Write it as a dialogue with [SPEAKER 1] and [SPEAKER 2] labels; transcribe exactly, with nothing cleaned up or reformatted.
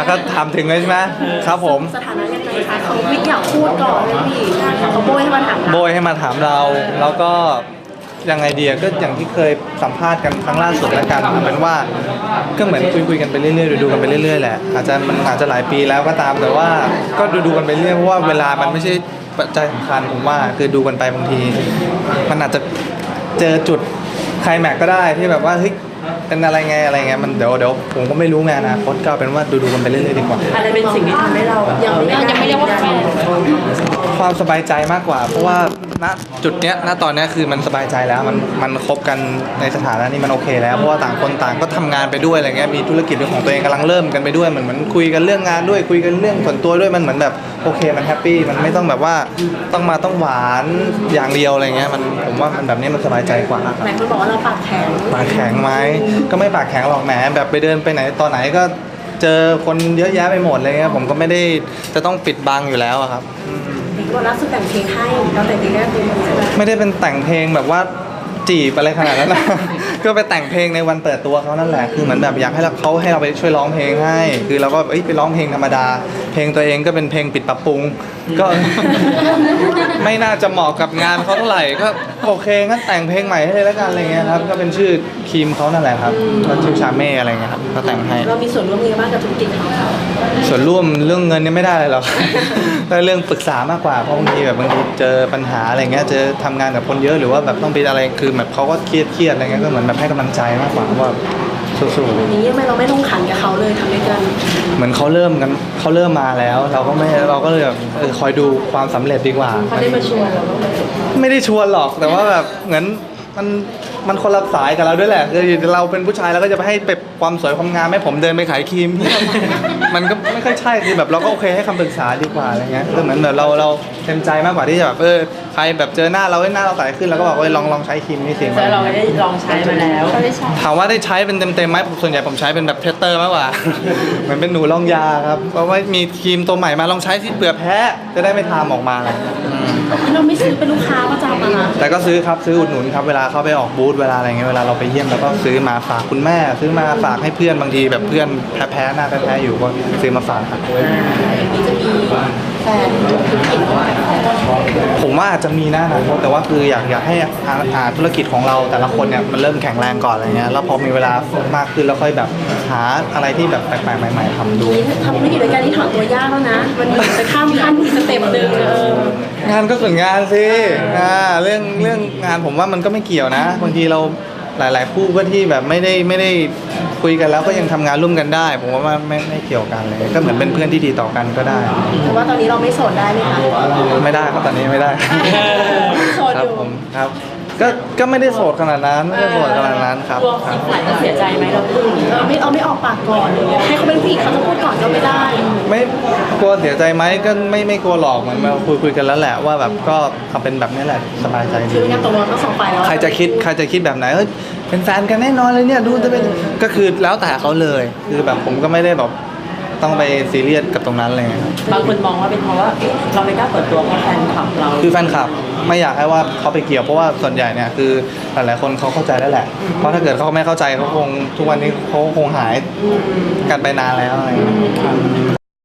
[SPEAKER 1] ก็ถามถึงเลยใช่ไหมครับผม
[SPEAKER 2] สถานะยังไงคะเขาวิทย์อยากพูดก่อนเลยพี่เขาโบยให้มาถามเรา
[SPEAKER 1] โบยให้มาถามเราแล้วก็ยังไงดีก็อย่างที่เคยสัมภาษณ์กันครั้งล่าสุดแล้วกันเอาเป็นว่าก็เหมือนคุยคุยกันไปเรื่อยๆดูๆกันไปเรื่อยๆแหละอาจจะมันอาจจะหลายปีแล้วก็ตามแต่ว่าก็ดูๆกันไปเรื่อยเพราะว่าเวลามันไม่ใช่ปัจจัยสำคัญผมว่าคือดูกันไปบางทีมันอาจจะเจอจุดไคลแม็กซ์ก็ได้ที่แบบว่าเฮ้ยเป็นอะไรไงอะไรเงี้ยมันเดี๋ยวเดี๋ยวผมก็ไม่รู้ไงนะโค้ชก็เป็นว่าดูๆกันไปเรื่อยๆดีกว่า
[SPEAKER 3] อะไรเป็นสิ่งที่ทำให้เรา
[SPEAKER 2] ยังไม่ยังไม่เรียกว่าแฟน
[SPEAKER 1] ความสบายใจมากกว่าเพราะว่าณจุดเนี้ยณตอนเนี้ยคือมันสบายใจแล้วมันมันคบกันในสถานะนี้มันโอเคแล้วเพราะว่าต่างคนต่างก็ทำงานไปด้วยอะไรเงี้ยมีธุรกิจของตัวเองกำลังเริ่มกันไปด้วยเหมือนเหมือนคุยกันเรื่องงานด้วยคุยกันเรื่องส่วนตัวด้วยมันเหมือนแบบโอเคมันแฮปปี้มันไม่ต้องแบบว่าต้องมาต้องหวานอย่างเดียวอะไรเงี้ยมันผมว่ามันแบบนี้มันสบายใจกว่าครับ
[SPEAKER 2] หลายคนบอกว่าเราปากแข็ง
[SPEAKER 1] ปากแข็งไหมก็ไม่ปากแข็งหรอกแหมแบบไปเดินไปไหนตอนไหนก็เจอคนเยอะแยะไปหมดเลยเงี้ยผมก็ไม่ได้จะต้องปิดบังอยู่แล้วอะครับ
[SPEAKER 2] เห็นว่าล่าสุดแต่งเพลงให้เราแต่งเพลงได้เพลงใช่ไหม
[SPEAKER 1] ไม่ได้เป็นแต่งเพลงแบบว่าจีบอะไรขนาดนั้นนะ ก็ไปแต่งเพลงในวันเปิดตัวเขานั่นแหละคือเหมือนแบบอยากให้เขาให้เราไปช่วยร้องเพลงให้คือเราก็เอ้ยไปร้องเพลงธรรมดาเพลงตัวเองก็เป็นเพลงปิดปรับปรุงก็ ไม่น่าจะเหมาะกับงานเขาเท่าไหร่ก็โอเคงั้นแต่งเพลงใหม่ให้เลยแล้วกันอะไรเงี้ยครับก็เป็นชื่อครีมเขานั่นแหละครับก็ชื่อชาเม่อะไรเงี้ยครับก็แต่งให้
[SPEAKER 2] เรามีส่วนร่วมยังไงบ้างกับธุรกิจเขา
[SPEAKER 1] ส่วนร่วมเรื่องเงินเนี่ยไม่ได้เลยหรอก แต่เรื่องปรึกษามากกว่าเพราะบางทีแบบบางทีเจอปัญหาอะไรเงี้ยเจอทำงานกับคนเยอะหรือว่าแบบต้องไปอะไรคือแบบเขาก็เครียดเครียดอะไรเงี้ยก็เหมือนแบบให้กำลังใจมากกว่าว่าสู้ๆ
[SPEAKER 2] อย่างนี้ทำไมเราไม่ลงขันกับเขาเลยทำด้วยกัน
[SPEAKER 1] เหมือนเขาเริ่มกันเขาเริ่มมาแล้ว เราก็ไม่เราก็เลยแบบเออคอยดูความสำเร็จดีกว่า
[SPEAKER 2] เขาได้มาชวนเราบ้างไหม
[SPEAKER 1] ไม่ได้ชวนหรอกแต่ว่าแบบเหมือนมันมันคนละสายกับเราด้วยแหละคือเราเป็นผู้ชายเราก็จะไปให้เป็บความสวยความงามให้ผมเดินไปขายครีม มันก็ไม่ค่อยใช่คือแบบเราก็โอเคให้คำปรึกษาดีกว่าอะไรเงี้ยคือเหมือนแบบเราเราเต็มใจมากกว่าที่จะแบบเออใครแบบเจอหน้าเราให้หน้าเราใสขึ้นแล้วก็บอกว่าลองลองใช้ครีมนี่สิ
[SPEAKER 3] แต่เราไม่ได้ลองใช้มาแล้ว
[SPEAKER 1] ถามว่าได้ใช้เป็นเต็มๆไหมส่วนใหญ่ผมใช้เป็นแบบเทสเตอร์มากกว่า เหมือนเป็นหนูลองยาครับเพราะว่ามีครีมตัวใหม่มาลองใช้ที่เปลือกแพ้จะได้ไม่ทามออกมาเลย
[SPEAKER 2] เราไม่ซื้อเป็นลูกค้าประจำอะนะ
[SPEAKER 1] แต่ก็ซื้อครับซื้ออุดหนุนครับเวลาเข้าไปออกบูธเวลาอะไรเงี้ยเวลาเราไปเยี่ยมเราก็ซื้อมาฝากคุณแม่ซื้อมาฝากให้เพื่อนบางทีแบบเพื่อนแพ้ๆหน้าแพ้ๆอยู่ก็ซื้อมาฝากครับ
[SPEAKER 2] อย่างนี้จะมีแฟนธุรกิจของเรา
[SPEAKER 1] ผมว่าอาจจะมีนะนะแต่ว่าคืออยากอยากให้หาธุรกิจของเราแต่ละคนเนี่ยมันเริ่มแข็งแรงก่อนอะไรเงี้ยแล้วพอมีเวลามากขึ้นแล้วค่อยแบบหาอะไรที่แบบแปลกๆใหม่ๆทำดู
[SPEAKER 2] ทำธุรกิจด้วยกันนี่ถอนตัวยากแล้วนะมันมีจะข้ามขั้นอีกสเต็ปหนึ่งเอ
[SPEAKER 1] องานก็ส่วนงานสิอ่าเรื่องเรื่องงานผมว่ามันก็ไม่เกี่ยวนะบางทีเราหลายๆคู่ก็ที่แบบไม่ได้ไม่ได้คุยกันแล้วก็ยังทำงานร่วมกันได้ผมว่าไม่ไม่เกี่ยวกันเลยก็เหมือนเป็นเพื่อนที่ดีต่อกันก็ได้
[SPEAKER 2] แต่ว่าตอนนี้เราไม่โสดได้ไหมคะ
[SPEAKER 1] ไม่ได้ครับตอนนี้ไม่ได้
[SPEAKER 2] โสดอยู่
[SPEAKER 1] ผมครับก็ก็ไม่ได้โสดขนาดนั้นไม่ได้โสดขนาดนั้นครับ
[SPEAKER 3] อีกฝ่ายก็เสียใจไหมเราพูด
[SPEAKER 2] เออไม่เอาไม่ออกปากก่อนเลยให้เขาเป็นผู้หญิงเขาจะพูดก่อนก็ไม่ได้
[SPEAKER 1] ไม่กลัวเสียใจไหมก็ไม่ไม่กลัวหรอกเหมือนเราคุยคุยกันแล้วแหละว่าแบบก็ทำเป็นแบบนี้แหละสบายใจดี
[SPEAKER 2] คืองานตกลงทั้งสองฝ่ายแล้ว
[SPEAKER 1] ใครจะคิดใครจะคิดแบบไหนเอ้ยเป็นแฟนกันแน่นอนเลยเนี่ยดูจะเป็นก็คือแล้วแต่เขาเลยคือแบบผมก็ไม่ได้แบบต้องไปซีเรียสกับตรงนั้นเลย
[SPEAKER 3] บางคนมองว่าเป็นเพราะว่าเราไม่กล้าเปิดตัวเพราะแฟนคลับเรา
[SPEAKER 1] คือแฟนคลับไม่อยากให้ว่าเขาไปเกี่ยวเพราะว่าส่วนใหญ่เนี่ยคือหลายๆคนเขาเข้าใจแล้วแหละเพราะถ้าเกิดเขาไม่เข้าใจเขาคงทุกวันนี้เขาคงหายกันไปนานแล้วอะไรอย่างเงี้ย